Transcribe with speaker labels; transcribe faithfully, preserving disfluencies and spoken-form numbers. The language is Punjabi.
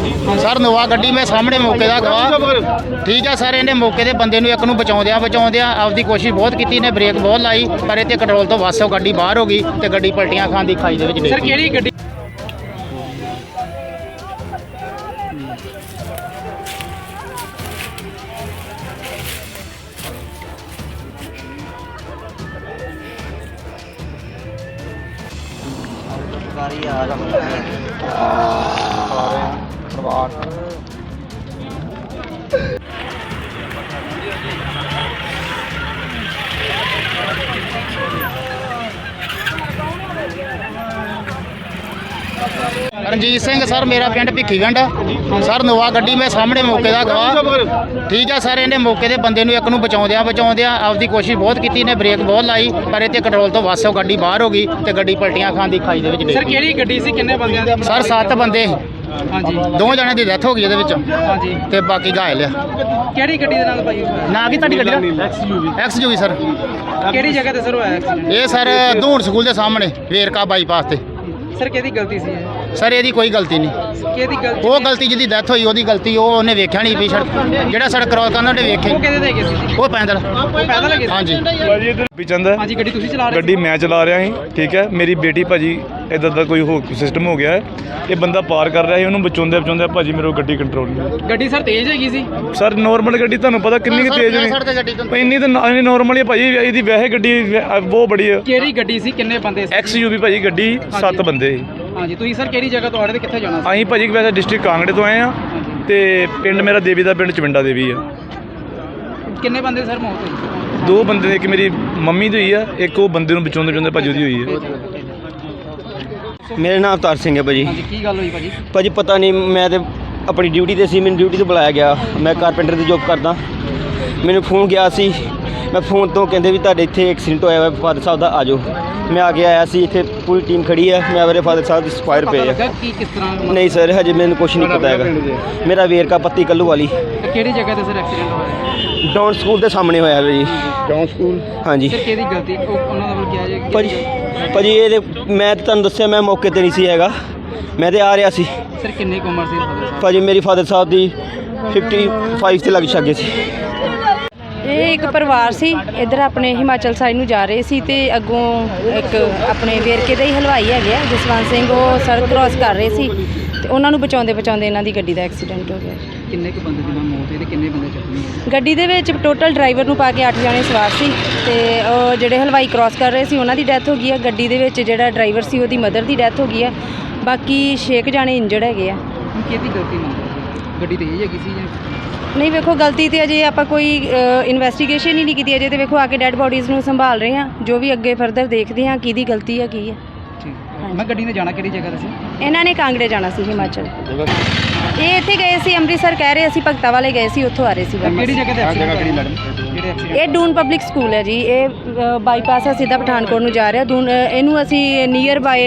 Speaker 1: सर नोवा गड्डी मैं सामने मौके का गवाह ठीक है सर। इन्हें मौके के बंदे नूं एक नूं बचाउंदियां बचाउंदियां आपकी कोशिश बहुत की, इन्हें ब्रेक बहुत लाई पर इत्थे कंट्रोल तो बस गड्डी बाहर हो गई तो गड्डी पलटियां खान दी खाई दे विच
Speaker 2: सर किहड़ी गड्डी
Speaker 1: रणजीत सिंह सर मेरा पिंड भिखीगंड सर। नोवा गड्डी मैं सामने मौके का गवाह ठीक है सर। इन्हें मौके के बंदे नूं एक नूं बचाउंदियां बचाउंदियां आपकी कोशिश बहुत की, इन्हें ब्रेक बहुत लाई पर इत्थे कंट्रोल तो बस गड्डी बाहर हो गई तो गड्डी पलटियां खान दी खाई दे विच।
Speaker 2: सर किहड़ी गड्डी सी, किन्ने बंदियां दी?
Speaker 1: सर सत्त बंदे
Speaker 2: हाँ जी,
Speaker 1: दो जने की डेथ हो गई ये
Speaker 2: हाँ जी,
Speaker 1: ते बाकी घायल आ।
Speaker 2: किहड़ी गड्डी दे नाल भाई होया?
Speaker 1: ना की तुहाडी गड्डी दा एक्स यू वी सर।
Speaker 2: किहड़ी जगह ते सर होया एक्सीडेंट?
Speaker 1: ये सर धूण स्कूल के सामने वेरका बाईपास ते।
Speaker 2: सर किहदी गलती सी ये?
Speaker 1: सर ये कोई गलती नहीं,
Speaker 2: किहदी गलती?
Speaker 1: वो गलती जिहदी डेथ हुई ओहदी गलती, वो उन्हें वेख्या नहीं भी सड़क जेड़ा सड़क क्रॉस करना उन्हें वेखे
Speaker 2: वो किहदे ते गए सी?
Speaker 1: वो पैदल
Speaker 2: पैदल लगे?
Speaker 1: हाँ जी
Speaker 3: ਚੰਦ ਹੈ।
Speaker 2: हाँ जी, गड्डी तुसीं चला रहे?
Speaker 3: ਗੱਡੀ ਮੈਂ ਚਲਾ ਰਿਹਾ ਸੀ ਠੀਕ ਹੈ। ਮੇਰੀ ਬੇਟੀ ਭਾਜੀ ਇੱਦਾਂ ਦਾ ਕੋਈ ਹੋ ਸਿਸਟਮ ਹੋ ਗਿਆ ਹੈ, ਇਹ ਬੰਦਾ ਪਾਰ ਕਰ ਰਿਹਾ ਸੀ, ਉਹਨੂੰ ਬਚਾਉਂਦੇ ਬਚਾਉਂਦੇ ਭਾਜੀ ਮੇਰੇ ਕੋਲ ਗੱਡੀ ਕੰਟਰੋਲ ਨਹੀਂ।
Speaker 2: ਗੱਡੀ ਸਰ ਤੇਜ਼ ਹੈਗੀ ਸੀ?
Speaker 3: ਸਰ ਨੋਰਮਲ ਗੱਡੀ ਤੁਹਾਨੂੰ ਪਤਾ ਕਿੰਨੀ ਕੁ ਤੇਜ਼ ਨਹੀਂ ਇੰਨੀ ਤਾਂ ਨਾ- ਇੰਨੀ ਨੋਰਮਲ ਹੀ ਭਾਜੀ, ਇਹਦੀ ਵੈਸੇ ਗੱਡੀ ਵੈ- ਬਹੁਤ ਬੜੀ ਹੈ।
Speaker 2: ਕਿਹੜੀ ਗੱਡੀ ਸੀ, ਕਿੰਨੇ ਬੰਦੇ ਸੀ?
Speaker 3: ਐਕਸ ਯੂ ਵੀ ਭਾਜੀ ਗੱਡੀ ਸੱਤ ਬੰਦੇ ਸੀ।
Speaker 2: हाँ जी, ਤੁਸੀਂ ਸਰ ਕਿਹੜੀ ਜਗ੍ਹਾ ਤੋਂ ਆ ਰਹੇ ਤੇ ਕਿੱਥੇ ਜਾਣਾ ਸੀ?
Speaker 3: ਅਸੀਂ ਭਾਜੀ ਵੈਸੇ ਡਿਸਟ੍ਰਿਕਟ ਕਾਂਗੜੇ ਤੋਂ ਆਏ ਆ ਤੇ ਪਿੰਡ ਮੇਰਾ ਦੇਵੀ ਦਾ ਪਿੰਡ ਚਵਿੰਡਾ ਦੇਵੀ ਆ।
Speaker 2: ਕਿੰਨੇ ਬੰਦੇ ਸਰ ਮੌਤ ਹੋਈ?
Speaker 3: ਦੋ ਬੰਦੇ ਨੇ, ਇੱਕ ਮੇਰੀ ਮੰਮੀ ਦੀ ਹੋਈ ਆ, ਇੱਕ ਉਹ ਬੰਦੇ ਨੂੰ ਬਚਾਉਂਦੇ ਬਚਾਉਂਦੇ ਭਾਜੀ ਉਹਦੀ ਹੋਈ ਹੈ।
Speaker 4: मेरा नाम अवतार सिंह है भाजी।
Speaker 2: हाँ जी, ਕੀ ਗੱਲ ਹੋਈ ਭਾਜੀ?
Speaker 4: भाजी पता नहीं, मैं तो अपनी ड्यूटी ते सी, मैंने ड्यूटी तो बुलाया गया। मैं कारपेंटर की जॉब करदा, मैंने फोन गया सी, मैं फोन तो कहते भी तुहाडे इत्थे एक्सीडेंट होया है फादर साहब दा आ जाओ। मैं आ गया आया सी, इत्थे पूरी टीम खड़ी है, मैं मेरे फादर साहब एक्सपायर पे
Speaker 2: ਪਤਾ
Speaker 4: है।
Speaker 2: ਲੱਗਾ ਕੀ ਕਿਸ ਤਰ੍ਹਾਂ?
Speaker 4: नहीं सर हजे मैंने कुछ नहीं पता है। मेरा वेरका पत्ती कल्लू वाली
Speaker 2: ਕਿਹੜੀ ਜਗ੍ਹਾ ਤੇ ਸਰ ਐਕਸੀਡੈਂਟ ਹੋਇਆ?
Speaker 4: डाउन स्कूल के सामने होया है जी।
Speaker 1: टाउन स्कूल
Speaker 4: हाँ जी
Speaker 2: ਸਰ ਕਿਹਦੀ ਗਲਤੀ? ਉਹ ਉਹਨਾਂ ਦਾ ਵੱਲ ਕਿਹਾ ਜੇ
Speaker 4: ਭਾਜੀ ਭਾਜੀ ਇਹ ਮੈਂ ਤਾਂ ਤੁਹਾਨੂੰ ਦੱਸਿਆ ਮੈਂ ਮੌਕੇ ਤੇ ਨਹੀਂ ਸੀ ਹੈਗਾ, ਮੈਂ ਤੇ ਆ ਰਿਹਾ ਸੀ।
Speaker 2: ਸਰ ਕਿੰਨੀ ਕੁ ਉਮਰ ਸੀ father ਸਾਹਿਬ?
Speaker 4: ਭਾਜੀ ਮੇਰੀ ਫਾਦਰ ਸਾਹਿਬ ਦੀ ਪਚਪਨ ਤੇ ਲੱਗ ਛੱਗੇ ਸੀ।
Speaker 5: ਇਹ ਇੱਕ ਪਰਿਵਾਰ ਸੀ, ਇੱਧਰ ਆਪਣੇ ਹਿਮਾਚਲ ਸਾਈਡ ਨੂੰ ਜਾ ਰਹੇ ਸੀ ਤੇ ਅੱਗੋਂ ਇੱਕ ਆਪਣੇ ਵੇਰਕੇ ਦਾ ਹੀ ਹਲਵਾਈ ਹੈਗੇ ਆ ਜਸਵੰਤ ਸਿੰਘ, ਉਹ ਸੜਕ ਕ੍ਰਾਸ ਕਰ ਰਹੇ ਸੀ ਤੇ ਉਹਨਾਂ ਨੂੰ ਬਚਾਉਂਦੇ ਬਚਾਉਂਦੇ ਇਹਨਾਂ ਦੀ ਗੱਡੀ ਦਾ ਐਕਸੀਡੈਂਟ ਹੋ ਗਿਆ।
Speaker 2: ਕਿੰਨੇ ਕੁ ਬੰਦੇ ਦੀ ਨਾਲ ਮੌਤ ਹੋਈ ਤੇ ਕਿੰਨੇ ਬੰਦੇ ਜ਼ਖਮੀ ਹੋਏ?
Speaker 5: ਗੱਡੀ ਦੇ ਵਿੱਚ ਟੋਟਲ ਡਰਾਈਵਰ ਨੂੰ ਪਾ ਕੇ ਅੱਠ ਜਣੇ ਸਵਾਰ ਸੀ ਤੇ ਉਹ ਜਿਹੜੇ ਹਲਵਾਈ ਕ੍ਰਾਸ ਕਰ ਰਹੇ ਸੀ ਉਹਨਾਂ ਦੀ ਡੈਥ ਹੋ ਗਈ ਹੈ। ਗੱਡੀ ਦੇ ਵਿੱਚ ਜਿਹੜਾ ਡਰਾਈਵਰ ਸੀ ਉਹਦੀ ਮਦਰ ਦੀ ਡੈਥ ਹੋ ਗਈ ਹੈ, ਬਾਕੀ ਛੇ ਕੁ ਜਣੇ ਇੰਜਰਡ ਹੈਗੇ ਆ।
Speaker 2: ਹੁਣ ਕਿਹਦੀ ਗਲਤੀ ਮੰਨਦੇ? ਗੱਡੀ ਤੇਜ਼ ਹੈਗੀ ਸੀ ਜਾਂ?
Speaker 5: ਨਹੀਂ ਵੇਖੋ ਗਲਤੀ ਤੇ ਅਜੇ ਆਪਾਂ ਕੋਈ ਇਨਵੈਸਟੀਗੇਸ਼ਨ ਹੀ ਨਹੀਂ ਕੀਤੀ ਅਜੇ, ਤੇ ਵੇਖੋ ਆ ਕੇ ਡੈੱਡ ਬੋਡੀਜ਼ ਨੂੰ ਸੰਭਾਲ ਰਹੇ ਹਾਂ, ਜੋ ਵੀ ਅੱਗੇ ਫਰਦਰ ਦੇਖਦੇ ਹਾਂ ਕਿਹਦੀ ਗਲਤੀ ਹੈ ਕੀ ਹੈ।
Speaker 2: ਠੀਕ, ਮੈਂ ਗੱਡੀ ਨੇ ਜਾਣਾ ਕਿਹੜੀ ਜਗ੍ਹਾ ਤੇ ਸੀ?
Speaker 5: ਇਹਨਾਂ ਨੇ ਕਾਂਗੜੇ ਜਾਣਾ ਸੀ ਹਿਮਾਚਲ, ਇਹ ਇੱਥੇ ਗਏ ਸੀ ਅੰਮ੍ਰਿਤਸਰ ਕਹਿ ਰਹੇ ਅਸੀਂ ਭਗਤਾ ਵਾਲੇ ਗਏ ਸੀ, ਉੱਥੋਂ ਆ ਰਹੇ ਸੀ
Speaker 2: ਕਿਹੜੀ
Speaker 5: ਵਾਪਸ।
Speaker 2: ਜਗ੍ਹਾ ਤੇ ਐਕਸੀਡੈਂਟ ਹੋਇਆ? ਕਿਹੜੇ ਐਕਸੀਡੈਂਟ?
Speaker 5: ਇਹ ਡੂਨ ਪਬਲਿਕ ਸਕੂਲ ਹੈ ਜੀ, ਇਹ ਬਾਈਪਾਸ ਆ ਸਿੱਧਾ ਪਠਾਨਕੋਟ ਨੂੰ ਜਾ ਰਿਹਾ। ਦੂਨ ਇਹਨੂੰ ਅਸੀਂ ਨੀਅਰ ਬਾਏ